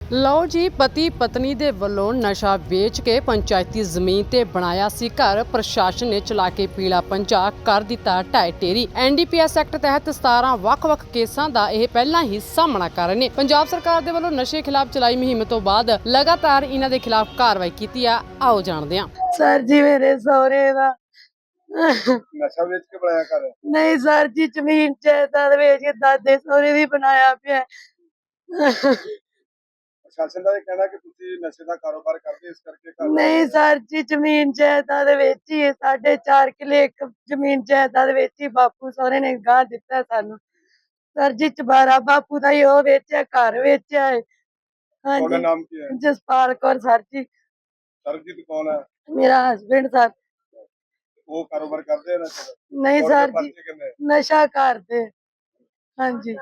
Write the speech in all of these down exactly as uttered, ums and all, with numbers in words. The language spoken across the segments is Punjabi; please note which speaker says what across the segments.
Speaker 1: ਲਓ ਜੀ, ਪਤੀ ਪਤਨੀ ਦੇ ਵੱਲੋਂ ਨਸ਼ਾ ਵੇਚ ਕੇ ਪੰਚਾਇਤੀ ਜ਼ਮੀਨ ਤੇ ਬਣਾਇਆ ਸੀ ਘਰ। ਪ੍ਰਸ਼ਾਸਨ ਨੇ ਚਲਾ ਕੇ ਪੀਲਾ ਪੰਜਾ ਕਰ ਦਿੱਤਾ ਢਾਈ ਢੇਰੀ। N D P S act ਤਹਿਤ ਸਤਾਰਾਂ ਵੱਖ-ਵੱਖ ਕੇਸਾਂ ਦਾ ਇਹ ਪਹਿਲਾਂ ਹੀ ਸਾਹਮਣਾ ਕਰ ਰਹੇ ਨੇ। ਪੰਜਾਬ ਸਰਕਾਰ ਦੇ ਵੱਲੋਂ ਨਸ਼ੇ ਖਿਲਾਫ ਚਲਾਈ ਮੁਹਿੰਮ ਤੋਂ ਬਾਅਦ ਲਗਾਤਾਰ ਇਹਨਾਂ ਦੇ ਖਿਲਾਫ ਕਾਰਵਾਈ ਕੀਤੀ ਆ। ਆਓ ਜਾਣਦੇ ਹਾਂ।
Speaker 2: ਸਰ ਜੀ ਮੇਰੇ ਸਹੁਰੇ ਦਾ
Speaker 3: ਨਸ਼ਾ ਵੇਚ ਕੇ ਬਣਾਇਆ ਘਰ?
Speaker 2: ਨਹੀਂ ਸਰ ਜੀ, ਜ਼ਮੀਨ ਜਾਇਦਾਦ ਵੇਚ ਕੇ ਦਾਦੇ ਸਹੁਰੇ ਦੀ ਬਣਾਇਆ ਪਿਆ।
Speaker 3: ਪ੍ਰਸ਼ਾਸਨ ਦਾ ਇਹ ਕਹਿਣਾ ਕਿ ਤੁਸੀਂ ਨਸ਼ੇ ਦਾ ਕਾਰੋਬਾਰ ਕਰਦੇ ਇਸ ਕਰਕੇ ਘਰ
Speaker 2: ਨਹੀਂ ਸਰ ਜੀ, ਜ਼ਮੀਨ ਜਾਇਦਾਦ ਵੇਚੀ ਹੈ। ਸਾਡੇ ਚਾਰ ਕਿੱਲੇ ਇੱਕ ਜ਼ਮੀਨ ਜਾਇਦਾਦ ਵੇਚੀ ਬਾਪੂ ਸਹੁਰੇ ਨੇ ਗਾਂ ਦਿੱਤਾ ਸਾਨੂੰ। ਸਰ ਜੀ ਚਬਾਰਾ ਬਾਪੂ ਦਾ ਹੀ ਉਹ ਵੇਚਿਆ, ਘਰ ਵੇਚਿਆ ਹੈ।
Speaker 3: ਤੁਹਾਡਾ
Speaker 2: ਹਾਂਜੀ,
Speaker 3: ਨਾਮ ਕੀ ਹੈ?
Speaker 2: ਜਸਪਾਲ ਕੌਰ ਸਰ ਜੀ,
Speaker 3: ਸਰਬਜੀਤ ਕੌਣ ਹੈ?
Speaker 2: ਮੇਰਾ ਹਸਬੈਂਡ ਸਰ।
Speaker 3: ਉਹ ਕਾਰੋਬਾਰ ਕਰਦੇ ਆ ਨਸ਼ੇ ਦਾ?
Speaker 2: ਨਹੀਂ
Speaker 3: ਤੁਹਾਡੇ
Speaker 2: ਸਰ ਜੀ,
Speaker 3: ਪਰਚੇ ਕਿੰਨੇ?
Speaker 2: ਨਸ਼ਾ ਕਰਦੇ। ਹਾਂਜੀ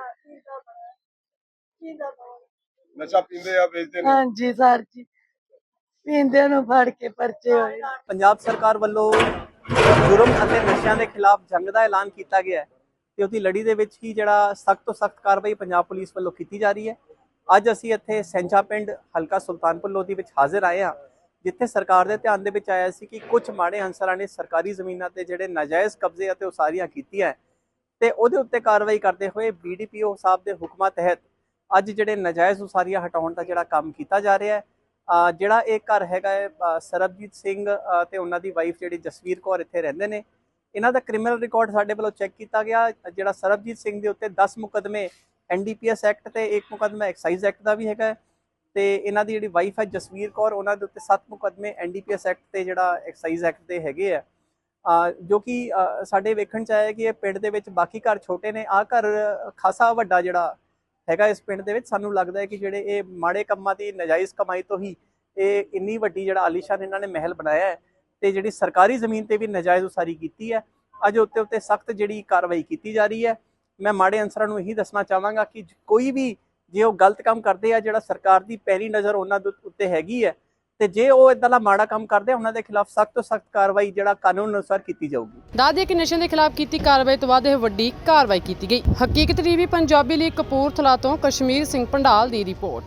Speaker 3: ਨਸ਼ਾ ਪੀਂਦੇ ਆ, ਵੇਚਦੇ ਨੇ?
Speaker 2: ਹਾਂਜੀ ਸਰ ਜੀ, ਪੀਂਦੇ ਨੂੰ ਫੜ ਕੇ ਪਰਚੇ ਹੋਏ।
Speaker 4: ਪੰਜਾਬ ਸਰਕਾਰ ਵੱਲੋਂ ਜੁਰਮ ਅਤੇ ਨਸ਼ਿਆਂ ਦੇ ਖਿਲਾਫ ਜੰਗ ਦਾ ਐਲਾਨ ਕੀਤਾ ਗਿਆ ਹੈ ਤੇ ਉਹਦੀ ਲੜੀ ਦੇ ਵਿੱਚ ਹੀ ਜਿਹੜਾ ਸਖਤ ਤੋਂ ਸਖਤ ਕਾਰਵਾਈ ਪੰਜਾਬ ਪੁਲਿਸ ਵੱਲੋਂ ਕੀਤੀ ਜਾ ਰਹੀ ਹੈ। ਅੱਜ ਅਸੀਂ ਇੱਥੇ ਸੈਂਚਾ ਪਿੰਡ ਹਲਕਾ ਸੁਲਤਾਨਪੁਰ ਲੋਧੀ ਵਿੱਚ ਹਾਜ਼ਰ ਆਏ ਹਾਂ, ਜਿੱਥੇ ਸਰਕਾਰ ਦੇ ਧਿਆਨ ਦੇ ਵਿੱਚ ਆਇਆ ਸੀ ਕਿ ਕੁਝ ਮਾੜੇ ਅਨਸਰਾਂ ਨੇ ਸਰਕਾਰੀ ਜ਼ਮੀਨਾਂ ਤੇ ਜਿਹੜੇ ਨਾਜਾਇਜ਼ ਕਬਜ਼ੇ ਅਤੇ ਉਸਾਰੀਆਂ ਕੀਤੀਆਂ ਤੇ ਉਹਦੇ ਉੱਤੇ ਕਾਰਵਾਈ ਕਰਦੇ ਹੋਏ ਬੀ ਡੀ ਪੀ ਓ ਸਾਹਿਬ ਦੇ ਹੁਕਮਾਂ ਤਹਿਤ ਅੱਜ ਜਿਹੜੇ ਨਾਜਾਇਜ਼ ਉਸਾਰੀਆਂ ਹਟਾਉਣ ਦਾ ਜਿਹੜਾ ਕੰਮ ਕੀਤਾ ਜਾ ਰਿਹਾ ਹੈ। ਜਿਹੜਾ ਇਹ ਘਰ ਹੈਗਾ ਹੈ ਸਰਬਜੀਤ ਸਿੰਘ ਤੇ ਉਹਨਾਂ ਦੀ ਵਾਈਫ ਜਿਹੜੀ ਜਸਵੀਰ ਕੌਰ ਇੱਥੇ ਰਹਿੰਦੇ ਨੇ। ਇਹਨਾਂ ਦਾ ਕ੍ਰਿਮੀਨਲ ਰਿਕਾਰਡ ਸਾਡੇ ਵੱਲੋਂ ਚੈੱਕ ਕੀਤਾ ਗਿਆ। ਜਿਹੜਾ ਸਰਬਜੀਤ ਸਿੰਘ ਦੇ ਉੱਤੇ ਦਸ ਮੁਕੱਦਮੇ N D P S act ਤੇ ਇੱਕ ਮੁਕੱਦਮਾ ਐਕਸਾਈਜ਼ ਐਕਟ ਦਾ ਵੀ ਹੈਗਾ ਤੇ ਇਹਨਾਂ ਦੀ ਜਿਹੜੀ ਵਾਈਫ ਹੈ ਜਸਵੀਰ ਕੌਰ, ਉਹਨਾਂ ਦੇ ਉੱਤੇ ਸੱਤ ਮੁਕੱਦਮੇ N D P S act ਤੇ ਜਿਹੜਾ ਐਕਸਾਈਜ਼ ਐਕਟ ਦੇ ਹੈਗੇ ਆ। ਜੋ ਕਿ ਸਾਡੇ ਵੇਖਣ ਚ ਆਇਆ ਕਿ ਇਹ ਪਿੰਡ ਦੇ ਵਿੱਚ ਬਾਕੀ ਘਰ ਛੋਟੇ ਨੇ, ਆਹ ਘਰ ਖਾਸਾ ਵੱਡਾ ਜਿਹੜਾ ਹੈਗਾ ਇਸ ਪਿੰਡ ਦੇ ਵਿੱਚ। ਸਾਨੂੰ ਲੱਗਦਾ ਹੈ ਕਿ ਜਿਹੜੇ ਇਹ ਮਾੜੇ ਕੰਮਾਂ ਦੀ ਨਜਾਇਜ਼ ਕਮਾਈ ਤੋਂ ਹੀ ਇਹ ਇੰਨੀ ਵੱਡੀ ਜਿਹੜਾ ਆਲੀਸ਼ਾਨ ਇਹਨਾਂ ਨੇ ਮਹਿਲ ਬਣਾਇਆ ਹੈ ਤੇ ਜਿਹੜੀ ਸਰਕਾਰੀ ਜ਼ਮੀਨ ਤੇ ਵੀ ਨਜਾਇਜ਼ ਉਸਾਰੀ ਕੀਤੀ ਹੈ। ਅੱਜ ਉੱਤੇ ਉੱਤੇ ਸਖਤ ਜਿਹੜੀ ਕਾਰਵਾਈ ਕੀਤੀ ਜਾ ਰਹੀ ਹੈ। ਮੈਂ ਮਾੜੇ ਅਨਸਰਾਂ ਨੂੰ ਇਹੀ ਦੱਸਣਾ ਚਾਹਾਂਗਾ ਕਿ ਕੋਈ ਵੀ ਜੇ ਉਹ ਗਲਤ ਕੰਮ ਕਰਦੇ ਆ, ਜਿਹੜਾ ਸਰਕਾਰ ਦੀ ਪੈਰੀ ਨਜ਼ਰ ਉਹਨਾਂ ਦੇ ਉੱਤੇ ਹੈਗੀ ਹੈ ਤੇ ਜੇ ਉਹ ਇਦਾਂ ਦਾ ਮਾੜਾ ਕੰਮ ਕਰਦੇ ਆ, ਉਹਨਾਂ ਦੇ ਖਿਲਾਫ ਸਖਤ ਤੋਂ ਸਖਤ ਕਾਰਵਾਈ ਜਿਹੜਾ ਕਾਨੂੰਨ ਅਨੁਸਾਰ ਕੀਤੀ ਜਾਊਗੀ।
Speaker 1: ਦੱਸ ਦਈਏ ਕਿ ਨਸ਼ਿਆਂ ਦੇ ਖਿਲਾਫ ਕੀਤੀ ਕਾਰਵਾਈ ਤੋਂ ਬਾਅਦ ਇਹ ਵੱਡੀ ਕਾਰਵਾਈ ਕੀਤੀ ਗਈ। ਹਕੀਕਤ ਟੀਵੀ ਪੰਜਾਬੀ ਲਈ ਕਪੂਰਥਲਾ ਤੋਂ ਕਸ਼ਮੀਰ ਸਿੰਘ ਪੰਡਾਲ ਦੀ ਰਿਪੋਰਟ।